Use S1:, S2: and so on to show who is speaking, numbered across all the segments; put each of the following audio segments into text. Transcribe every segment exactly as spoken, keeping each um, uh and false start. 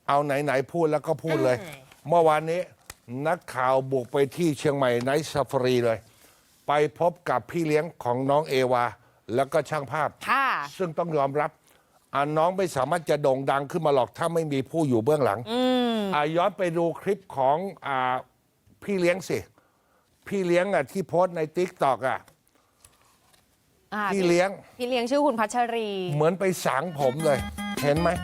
S1: เอาไหนๆพูดแล้วก็พูดเลย เมื่อวานนี้นักข่าวบุกไปที่เชียงใหม่ไนท์ซาฟารีเลย ไปพบกับพี่เลี้ยงของน้องเอวาแล้วก็ช่างภาพซึ่งต้องยอมรับอ่าน้องไม่สามารถจะโด่งดังขึ้นมาหรอกถ้าไม่มีผู้อยู่เบื้องหลังอ่าย้อนไปดูคลิปของอ่าพี่เลี้ยงสิพี่เลี้ยงอ่ะที่โพสต์ในติ๊กต็อกอ่ะพี่เลี้ยง
S2: พี่เลี้ยงชื่อคุณพัชรี
S1: เหมือนไปสางผมเลย เห็นไหม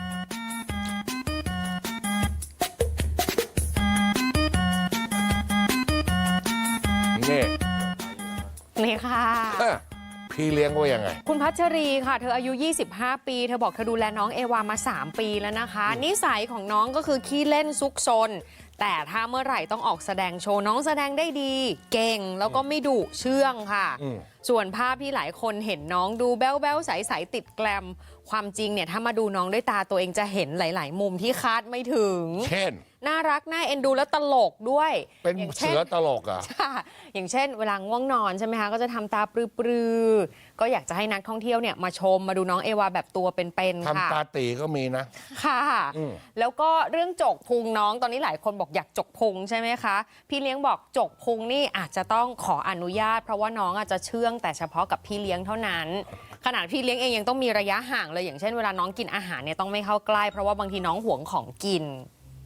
S1: นี่
S2: นี่ค่ะ
S1: พี่เลี้ยงว่ายังไง
S2: คุณพัชรีค่ะเธออายุยี่สิบห้าปีเธอบอกเธอดูแลน้องเอวามาสามปีแล้วนะคะนิสัยของน้องก็คือขี้เล่นซุกซนแต่ถ้าเมื่อไหร่ต้องออกแสดงโชว์น้องแสดงได้ดีเก่งแล้วก็ไม่ดุเชื่องค่ะส่วนภาพที่หลายคนเห็นน้องดูแบ๊วแบ๊วใสๆติดแกลมความจริงเนี่ยถ้ามาดูน้องด้วยตาตัวเองจะเห็นหลายๆมุมที่คาดไม่ถึง
S1: เช่น
S2: น่ารักน่าเอ็นดูและตลกด้วย
S1: เป็นเสือตลกอ่ะ
S2: อย่างเช่นเวลาง่วงนอนใช่ไหมคะก็จะทำตาปรือๆก็อยากจะให้นักท่องเที่ยวเนี่ยมาชมมาดูน้องเอวาแบบตัวเป็นๆค่ะ
S1: ทำตาตีก็มีนะ
S2: ค่ะแล้วก็เรื่องจกพุงน้องตอนนี้หลายคนบอกอยากจกพุงใช่ไหมคะพี่เลี้ยงบอกจกพุงนี่อาจจะต้องขออนุญาตเพราะว่าน้องอาจจะเชื่องแต่เฉพาะกับพี่เลี้ยงเท่านั้นขนาดพี่เลี้ยงเองยังต้องมีระยะห่างเลยอย่างเช่นเวลาน้องกินอาหารเนี่ยต้องไม่เข้าใกล้เพราะว่าบางทีน้องหวงของกิน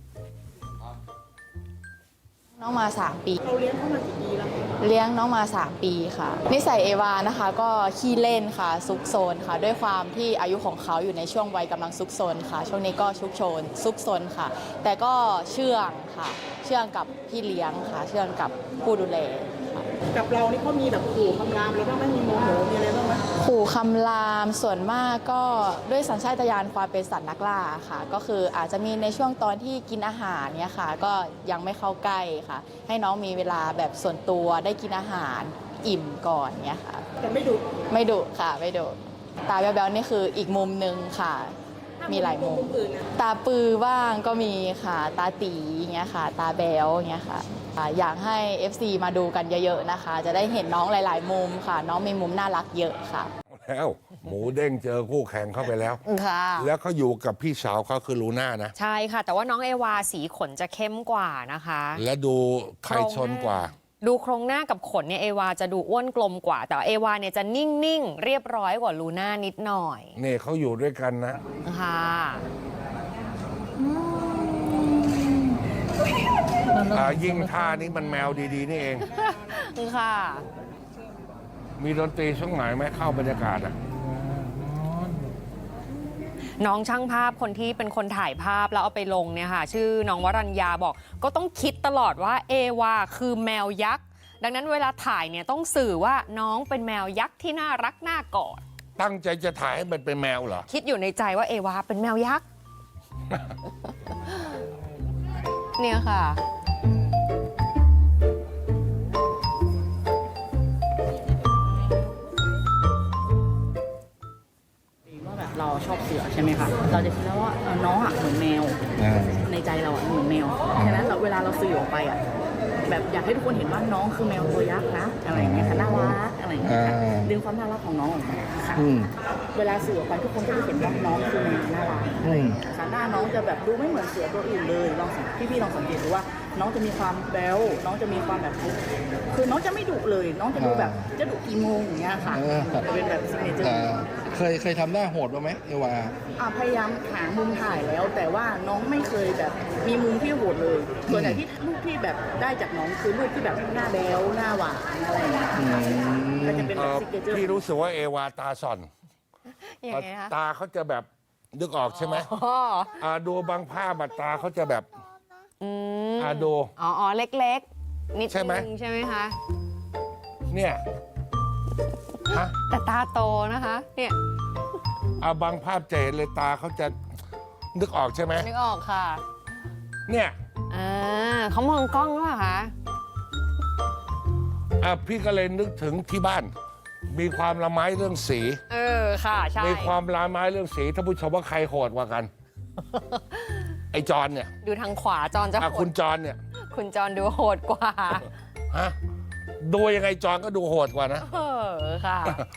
S3: น้องมาสามปีเราเลี้ยงเขามากี่ปีแล้วเลี้ยงน้องมาสามปีค่ะนิสัยเอวานะคะก็ขี้เล่นค่ะซุกซนค่ะด้วยความที่อายุของเขาอยู่ในช่วงวัยกำลังซุกซนค่ะช่วงนี้ก็ชุกโชนซุกซนค่ะแต่ก็เชื่องค่ะเชื่องกับพี่เลี้ยงค่ะเชื่องกับผู้ดูแล
S4: กับเรานี่เขามีแบบขู่คำรามแล้วก็ไม่มีโมโหมีอะไรบ้างไหม
S3: ขู่คำรามส่วนมากก็ด้วยสัญชาตญาณความเป็นสัตว์นักล่าค่ะก็คืออาจจะมีในช่วงตอนที่กินอาหารเนี่ยค่ะก็ยังไม่เข้าใกล้ค่ะให้น้องมีเวลาแบบส่วนตัวได้กินอาหารอิ่มก่อนเนี่ยค่ะ
S4: แต่ไม่ดุ
S3: ไม่ดุค่ะไม่ดุตาแบ๊วๆนี่คืออีกมุมหนึ่งค่ะมีหลายมุมตาปือบ้างก็มีค่ะตาตีอย่างเงี้ยค่ะตาแบ๊วอย่างเงี้ยค่ะอยากให้ เอฟ ซี มาดูกันเยอะๆนะคะจะได้เห็นน้องหลายๆมุมค่ะน้องมีมุมน่ารักเยอะค่ะ
S1: แล้วหมูเด้งเจอคู่แข่งเข้าไปแล้วค่ะแล้วเขาอยู่กับพี่สาวเขาคือลูน่านะ
S2: ใช่ค่ะแต่ว่าน้องเอวาสีขนจะเข้มกว่านะคะ
S1: และดูใครชนกว่า
S2: ดูโครงหน้ากับขนเนี่ยเอวาจะดูอ้วนกลมกว่าแต่เอวาเนี่ยจะนิ่งๆเรียบร้อยกว่าลูน่านิดหน่อย
S1: นี่เขาอยู่ด้วยกันนะ
S2: ค่ะ
S1: ยิ่งท่านี้มันแมวดีๆนี่เอง
S2: ค่ะ
S1: มีดนตรีช่วงไหนไหมเข้าบรรยากาศอ่ะ
S2: น้องช่างภาพคนที่เป็นคนถ่ายภาพแล้วเอาไปลงเนี่ยค่ะชื่อน้องวรัญญาบอกก็ต้องคิดตลอดว่าเอวาคือแมวยักษ์ดังนั้นเวลาถ่ายเนี่ยต้องสื่อว่าน้องเป็นแมวยักษ์ที่น่ารักน่ากอด
S1: ตั้งใจจะถ่ายให้มันเป็นแมวเหรอ
S2: คิดอยู่ในใจว่าเอวาเป็นแมวยักษ์ เนี่ยค่ะ
S4: เราชอบเสือใช่ไหมคะเราจะคิดแล้วว่าน้องอ่ะเหมือนแมวในใจเราอ่ะเหมือนแมวฉะนั้นเวลาเราสื่อออกไปอ่ะแบบอยากให้ทุกคนเห็นว่าน้องคือแมวตัวยักษ์นะอะไรอย่างเงี้ยค่ะน่ารักอะไรอย่างเงี้ยค่ะดึงความน่ารักของน้องออกมาค่ะเวลาสื่อออกไปทุกคนก็จะเห็นว่าน้องคือแมวน่ารักอะไรค่ะหน้าน้องจะแบบดูไม่เหมือนเสือตัวอื่นเลยลองพี่ๆลองสังเกตดูว่าน้องจะมีความแบ๊วน้องจะมีความแบบคือน้องจะไม่ดุเลยน้องจะดูแบบจะดุกี่โมงอย่างเงี้ยค่ะเป็นแบบซิกเนเจอร์
S5: เคยเคยทำหน้าโหดบ้างไหมเอวา
S4: อ่าพยายามหามุมถ่ายแล้วแต่ว่าน้องไม่เคยแบบมีมุมที่โหดเลยส่วนใหญ่ที่รูปที่แบบได้จากน้องคือรูปที่แบบหน้าแบ๊วหน้าหวานอะไรอย่างเงี้ยก็จะเป็นแบบซิกเนเจอร์
S1: พี่รู้สึกว่าเอวาตาส่อนตาเขาจะแบบนึกออกใช่ไหมอ่าดูบางภาพตาเขาจะแบบอ่าดู
S2: อ๋อเล็กๆนิดนึงใช่ไหมคะ
S1: เนี่ย
S2: แต่ตาโตนะคะเนี่ย
S1: อ่าบางภาพจะเห็นเลยตาเขาจะนึกออกใช่ไหม
S2: นึกออกค่ะ
S1: เนี่ย
S2: อ่าเขามองกล้องหรือเปล่าคะ
S1: อ่าพี่ก็เลยนึกถึงที่บ้านมีความละไม้เรื่องสี
S2: เออค่ะใช่
S1: มีความละไม้เรื่องสีท่านผู้ชมว่าใครโหดกว่ากันไอ้จอนเนี่ย
S2: ดูทางขวาจอนจะโหด
S1: คุณจอนเนี่ย
S2: คุณจอนดูโหดกว่า
S1: ฮะดูยังไงจอนก็ดูโหดกว่านะ
S2: เออค่ะ